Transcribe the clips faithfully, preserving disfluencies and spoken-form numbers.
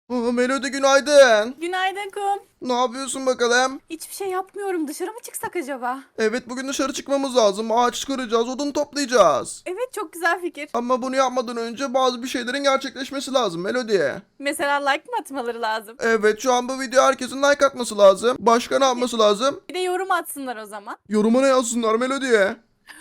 Aa, Melody günaydın. Günaydın kum. Ne yapıyorsun bakalım? Hiçbir şey yapmıyorum. Dışarı mı çıksak acaba? Evet bugün dışarı çıkmamız lazım. Ağaç kıracağız, odun toplayacağız. Evet, çok güzel fikir. Ama bunu yapmadan önce bazı bir şeylerin gerçekleşmesi lazım Melody. Mesela like mı atmaları lazım? Evet şu an bu video herkesin like atması lazım. Başka ne yapması lazım? Bir de yorum atsınlar o zaman. Yoruma ne yazsınlar Melody'ye?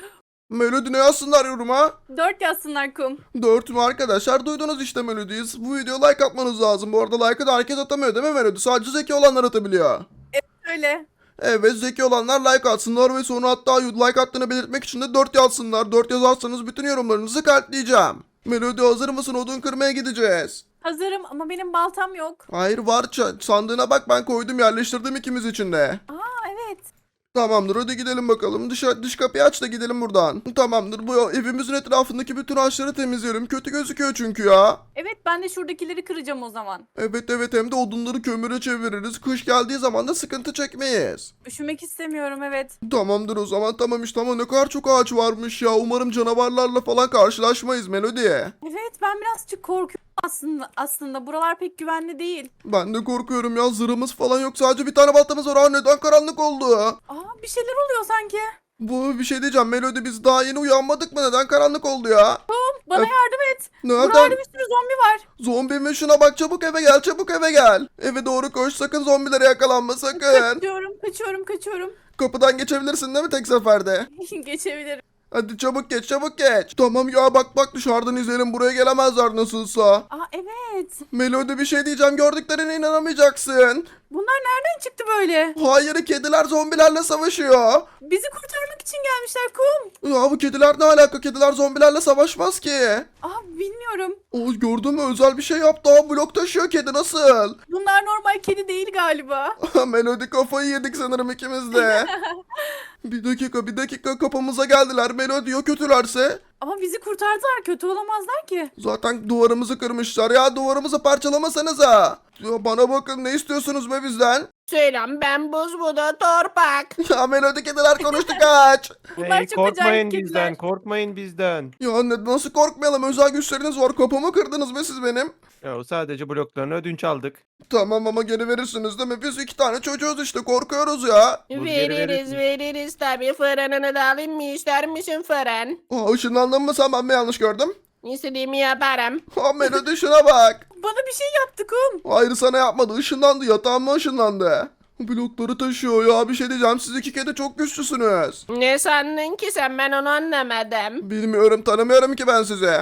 Melody ne yazsınlar yoruma? Dört yazsınlar kum. Dört mü arkadaşlar? Duydunuz işte Melody'yi. Bu videoya like atmanız lazım. Bu arada like'ı da herkes atamıyor değil mi Melody? Sadece zeki olanlar atabiliyor. Öyle. Evet zeki olanlar like atsınlar ve sonra hatta like attığını belirtmek için de dört yazsınlar. dört yazarsanız bütün yorumlarınızı kalpleyeceğim. Melody hazır mısın? Odun kırmaya gideceğiz. Hazırım ama benim baltam yok. Hayır var ça- sandığına bak ben koydum yerleştirdim ikimiz için de. Aa, evet. Tamamdır hadi gidelim bakalım. Dış, dış kapıyı aç da gidelim buradan. Tamamdır bu evimizin etrafındaki bütün ağaçları temizleyelim. Kötü gözüküyor çünkü ya. Evet, ben de şuradakileri kıracağım o zaman. Evet evet hem de odunları kömüre çeviririz. Kış geldiği zaman da sıkıntı çekmeyiz. Üşümek istemiyorum, evet. Tamamdır o zaman tamam işte ama ne kadar çok ağaç varmış ya. Umarım canavarlarla falan karşılaşmayız Melody. Evet, ben birazcık korkuyorum aslında. Aslında buralar pek güvenli değil. Ben de korkuyorum ya zırhımız falan yok. Sadece bir tane baltamız var. Aa, neden karanlık oldu? Aa, bir şeyler oluyor sanki. Bu bir şey diyeceğim Melody biz daha yeni uyanmadık mı? Neden karanlık oldu ya? Bana Öf. yardım et. Nereden? Buralarda bir sürü zombi var. Zombi mi? Şuna bak çabuk eve gel çabuk eve gel. Eve doğru koş sakın zombilere yakalanma sakın. Kaçıyorum, kaçıyorum, kaçıyorum. Kapıdan geçebilirsin değil mi tek seferde? Geçebilirim. Hadi çabuk geç çabuk geç. Tamam ya bak bak dışarıdan izleyelim buraya gelemezler nasılsa. Aa, evet. Melody bir şey diyeceğim gördüklerine inanamayacaksın. Bunlar nereden çıktı böyle? Hayır kediler zombilerle savaşıyor. Bizi kurtarmak için gelmişler kum. Ya bu kediler ne alaka? Kediler zombilerle savaşmaz ki. Aa, bilmiyorum. O gördün mü özel bir şey yaptı. Aa, blok taşıyor kedi nasıl? Bunlar normal kedi değil galiba. Melody kafayı yedik sanırım ikimiz de. Bir dakika bir dakika kapımıza geldiler. Melody ya kötülerse? Ama bizi kurtardılar. Kötü olamazlar ki. Zaten duvarımızı kırmışlar ya duvarımızı parçalamasanıza. Ya bana bakın ne istiyorsunuz be bizden? Selam ben Buz bu da Torpak. Ya Melody kediler konuştu kaç. Bunlar Hey, çok korkmayın acayip kediler. bizden, korkmayın bizden. Ya ne, nasıl korkmayalım özel güçleriniz var kapımı kırdınız be siz benim. Ya o sadece bloklarını ödünç aldık. Tamam ama geri verirsiniz değil mi? Biz iki tane çocuğuz işte korkuyoruz ya. Buz geri Veririz verirsin. veririz tabi fırınını da alayım mı ister misin fırın? Aa, ışınlandın mı sen ben mi yanlış gördüm? İstediğimi yaparım. Ha Melody şuna bak. Bana bir şey yaptı kum. Hayır sana yapmadı ışınlandı yatağıma ışınlandı. Blokları taşıyor ya bir şey diyeceğim siz iki kedi çok güçlüsünüz. Ne sandın ki sen ben onu anlamadım. Bilmiyorum tanımıyorum ki ben sizi.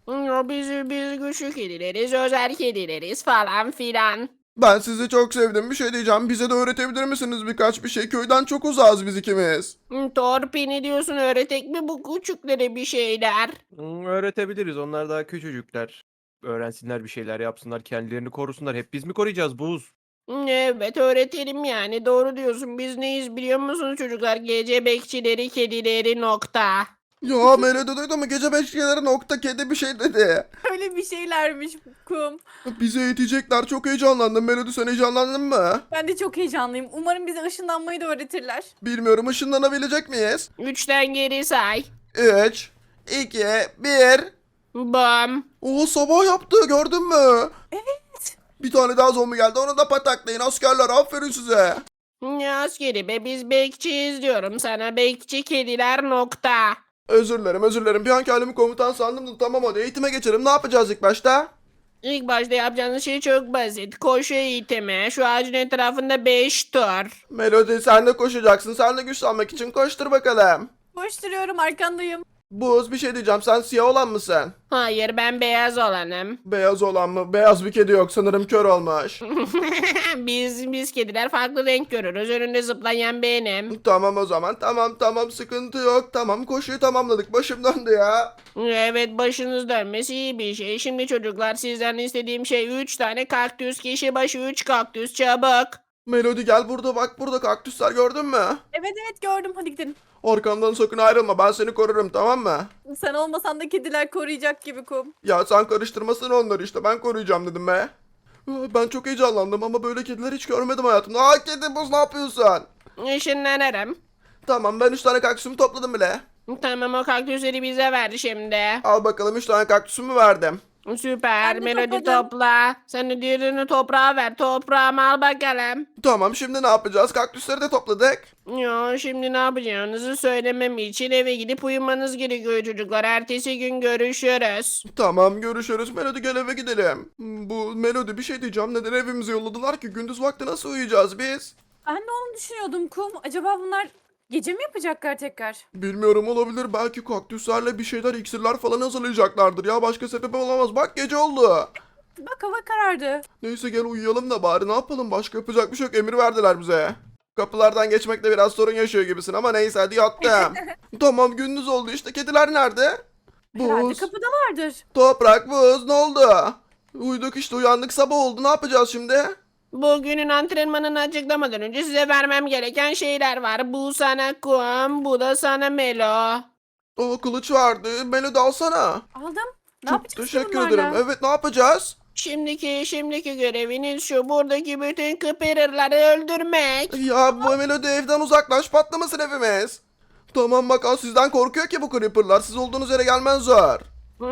O biz, biz güçlü kedileriz özel kedileriz falan filan. Ben sizi çok sevdim bir şey diyeceğim bize de öğretebilir misiniz birkaç bir şey köyden çok uzağız biz ikimiz. Torpi ne diyorsun öğretek mi bu küçüklere bir şeyler? Hmm, öğretebiliriz, onlar daha küçücükler. Öğrensinler bir şeyler yapsınlar, kendilerini korusunlar. Hep biz mi koruyacağız Buz? Evet öğretelim yani doğru diyorsun biz neyiz biliyor musunuz çocuklar gece bekçileri kedileri nokta. Ya Melody duydun mu gece beşleri nokta kedi bir şey dedi. Öyle bir şeylermiş kum. Bizi eğitecekler çok heyecanlandım Melody sen heyecanlandın mı? Ben de çok heyecanlıyım. Umarım bize ışınlanmayı da öğretirler. Bilmiyorum ışınlanabilecek miyiz? Üçten geri say. üç, iki, bir. Bam. Oo sabah yaptı gördün mü? Evet. Bir tane daha zombi geldi onu da pataklayın askerler aferin size. Ne askeri be biz bekçiyiz diyorum sana bekçi kediler nokta. Özür dilerim özür dilerim bir an kendimi komutan sandım da tamam hadi eğitime geçelim ne yapacağız ilk başta? İlk başta yapacağınız şey çok basit. Koşu eğitimi. Şu ağacın etrafında beş tur. Melody sen de koşacaksın sen de güçlenmek için koştur bakalım. Koşturuyorum, arkandayım. Buz bir şey diyeceğim sen siyah olan mısın? Hayır ben beyaz olanım. Beyaz olan mı? Beyaz bir kedi yok sanırım kör olmuş. biz biz kediler farklı renk görürüz. Önünde zıplayan benim. Tamam o zaman tamam tamam sıkıntı yok tamam koşuyu tamamladık başım döndü ya. Evet başınız dönmesi iyi bir şey. Şimdi çocuklar sizden istediğim şey üç tane kaktüs. Kişi başı üç kaktüs çabuk. Melody gel burada bak burada kaktüsler gördün mü? Evet evet, gördüm. Hadi gidelim. Arkamdan sakın ayrılma ben seni korurum tamam mı? Sen olmasan da kediler koruyacak gibi kum. Ya sen karıştırmasın onları işte ben koruyacağım dedim be. Aa, ben çok heyecanlandım ama böyle kediler hiç görmedim hayatımda. Aa kedi buz ne yapıyorsun? Işınlanırım. Tamam ben üç tane kaktüsümü topladım bile. Tamam o kaktüsleri bize ver şimdi. Al bakalım üç tane kaktüsümü verdim. Süper. Ben de Melodi topladım. topla. Sen de diğerini toprağa ver. Toprağımı al bakalım. Tamam, şimdi ne yapacağız? Kaktüsleri de topladık. Ya şimdi ne yapacağınızı söylemem için eve gidip uyumanız gerekiyor çocuklar. Ertesi gün görüşürüz. Tamam, görüşürüz. Melodi, gel eve gidelim. Bu Melodi, bir şey diyeceğim. Neden evimize yolladılar ki? Gündüz vakti nasıl uyuyacağız biz? Ben de onu düşünüyordum Kum. Acaba bunlar gece mi yapacaklar tekrar? Bilmiyorum, olabilir. Belki kaktüslerle bir şeyler, iksirler falan hazırlayacaklardır ya. Başka sebebi olamaz. Bak, gece oldu. Bak hava karardı. Neyse, gel uyuyalım da bari, ne yapalım? Başka yapacak bir şey yok. Emir verdiler bize. Kapılardan geçmekte biraz sorun yaşıyor gibisin ama neyse, hadi yattım. Tamam, gündüz oldu işte. Kediler nerede? Herhalde Buz, kapıdalardır. toprak, buz, ne oldu? Uyuduk işte, uyandık, sabah oldu. Ne yapacağız şimdi? Bugünün antrenmanını açıklamadan önce size vermem gereken şeyler var. Bu sana kum, bu da sana Melo. O kılıç vardı. Melodi, alsana. Aldım. Ne Çok yapacağız ki teşekkür bunlarla? ederim. Evet, ne yapacağız? Şimdiki şimdiki göreviniz şu, buradaki bütün kıpırırları öldürmek. Ya bu Melodi, evden uzaklaş, patlamasın evimiz. Tamam bak, az sizden korkuyor ki bu creeperlar. Siz olduğunuz yere gelmezler.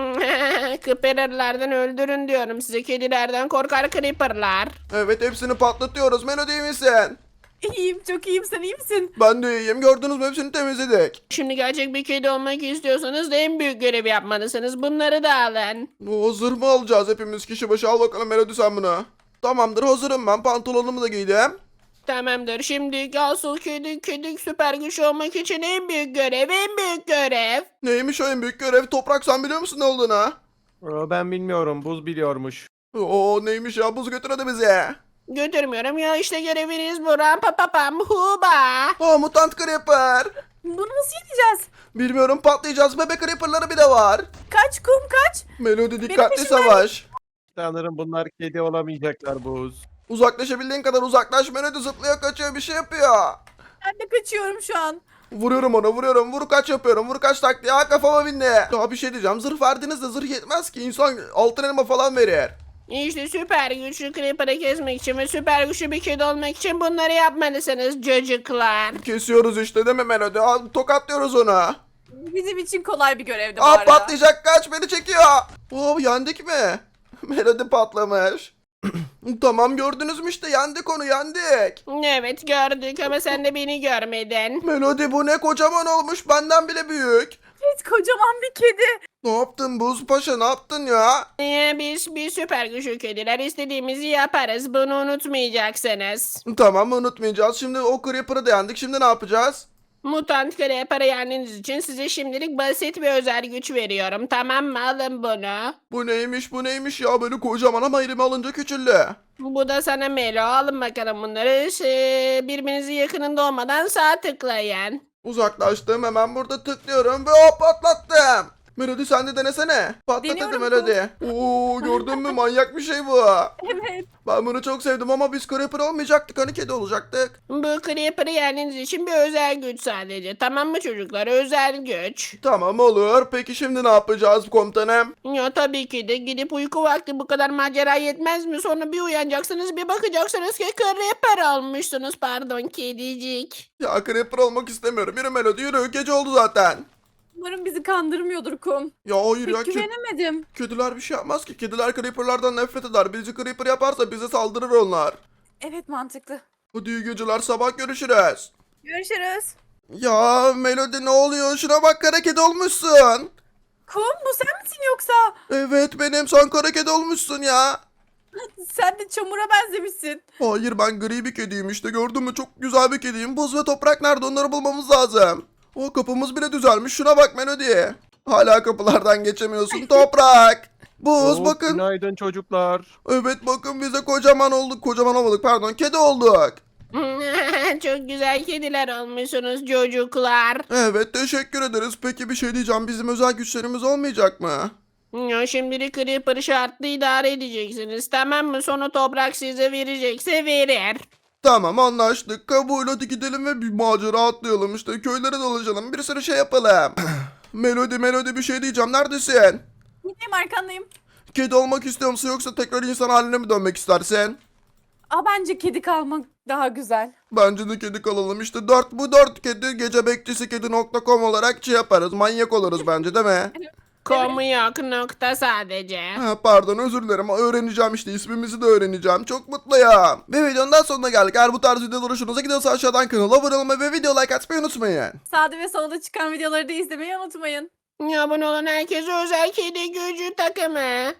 Kıpırırlardan öldürün diyorum size, kedilerden korkar creeperlar. Evet, hepsini patlatıyoruz. Melodi, iyi misin? İyiyim, çok iyiyim. Sen iyi misin? Ben de iyiyim. Gördünüz mü, hepsini temizledik. Şimdi gerçek bir kedi olmak istiyorsanız da en büyük görevi yapmalısınız. Bunları da alın. O zırh mı alacağız hepimiz kişi başı? Al bakalım Melodi, sen bunu. Tamamdır, hazırım ben. Pantolonumu da giydim. Tamamdır. Şimdi asıl kedi kedi süper güç olmak için en büyük görev, en büyük görev. Neymiş o en büyük görev? Toprak, sen biliyor musun ne olduğunu? Aa, ben bilmiyorum. Buz biliyormuş. Oo, neymiş ya? Buz götür hadi bize. Götürmüyorum ya, işte göreviniz bu. Ram pa pa pam huba. Aa, mutant creeper. Bunu nasıl yeneceğiz? Bilmiyorum, patlayacağız. Bebek creeperları bile var. Kaç Kum kaç. Melodi, dikkatli peşimden- savaş. Sanırım bunlar kedi olamayacaklar Buz. Uzaklaşabildiğin kadar uzaklaş. Melodi zıplıyor, kaçıyor, bir şey yapıyor. Ben de kaçıyorum şu an. Vuruyorum ona, vuruyorum. Vur kaç yapıyorum. Vur kaç taktiği. Ha, kafama bindi. Ya bir şey diyeceğim. Zırh verdiniz de zırh yetmez ki. İnsan altın elma falan verir. İşte süper güçlü creeper'ı kesmek için ve süper güçlü bir kedi olmak için bunları yapmalısınız çocuklar. Kesiyoruz işte, değil mi Melodi? Aa, tokatlıyoruz onu. Bizim için kolay bir görevdi bu Aa, arada. patlayacak, kaç, beni çekiyor. Oo, yendik mi? Melodi patlamış. Tamam, gördünüz mü işte, yendik onu, yendik. Evet gördük ama sen de beni görmedin. Melodi, bu ne, kocaman olmuş, benden bile büyük. Evet, kocaman bir kedi. Ne yaptın Buz Paşa, ne yaptın ya? Ee, biz bir süper güçlü kediler, istediğimizi yaparız. Bunu unutmayacaksınız. Tamam, unutmayacağız. Şimdi o Creeper'ı da yendik, şimdi ne yapacağız? Mutant creeper'ı yendiğiniz için size şimdilik basit bir özel güç veriyorum. Tamam mı? Alın bunu. Bu neymiş, bu neymiş ya, böyle kocaman ama elime alınca küçüldü. Bu da sana Melo. Alın bakalım bunları. Şey, birbirinizin yakınında olmadan sağ tıklayın. Uzaklaştım, hemen burada tıklıyorum ve hop, patlattım. Melodi, sen de denesene. Patlat hadi Deniyorum Melodi. Oo, gördün mü, manyak bir şey bu. Evet. Ben bunu çok sevdim ama biz Creeper olmayacaktık, hani kedi olacaktık. Bu creeper'ı yendiğiniz için bir özel güç sadece. Tamam mı çocuklar? Özel güç. Tamam, olur. Peki şimdi ne yapacağız komutanım? Ya tabii ki de gidip uyku vakti, bu kadar macera yetmez mi? Sonra bir uyanacaksınız, bir bakacaksınız ki creeper olmuşsunuz. Pardon kedicik. Ya Creeper olmak istemiyorum. Yürü Melodi, yürü. Gece oldu zaten. Umarım bizi kandırmıyordur Kum. Ya hayır ya, Pek ke- güvenemedim. kediler bir şey yapmaz ki. Kediler Creeper'lardan nefret eder. Bizi Creeper yaparsa bize saldırır onlar. Evet, mantıklı. Hadi iyi geceler, sabah görüşürüz. Görüşürüz. Ya Melodi, ne oluyor? Şuna bak, kara kedi olmuşsun. Kum, bu sen misin yoksa? Evet benim, sen kara kedi olmuşsun ya. Sen de çamura benzemişsin. Hayır, ben gri bir kediyim işte, gördün mü? Çok güzel bir kediyim. Buz ve toprak nerede? Onları bulmamız lazım. O kapımız bile düzelmiş. Şuna bak Melodi. Hala kapılardan geçemiyorsun toprak. Buz, Oo, bakın. Günaydın çocuklar. Evet bakın, bize kocaman olduk. Kocaman olmadık, pardon, kedi olduk. Çok güzel kediler olmuşsunuz çocuklar. Evet, teşekkür ederiz. Peki bir şey diyeceğim, bizim özel güçlerimiz olmayacak mı? Ya şimdilik creeper şartlı idare edeceksiniz, tamam mı? Sonra toprak size verecekse verir. Tamam, anlaştık. Kabul, hadi gidelim ve bir macera atlayalım işte. Köylere dolaşalım, bir sürü şey yapalım. Melodi, Melodi, bir şey diyeceğim, neredesin? Gideyim, arkandayım. Kedi olmak istiyor musun, yoksa tekrar insan haline mi dönmek istersin? Aa, bence kedi kalmak daha güzel. Bence de kedi kalalım işte. Dört, bu dört kedi gece bekçisi kedi nokta com olarak şey yaparız. Manyak oluruz bence, değil mi? Komu yok nokta sadece. Ha, pardon özür dilerim öğreneceğim işte ismimizi de öğreneceğim. Çok mutluyum. Ve videonun daha sonuna geldik. Eğer bu tarz videolar hoşunuza gidiyorsa aşağıdan kanala abone olmayı ve video like atmayı unutmayın. Sağda ve solda çıkan videoları da izlemeyi unutmayın. Abone olan herkese özel kedi gücü takımı.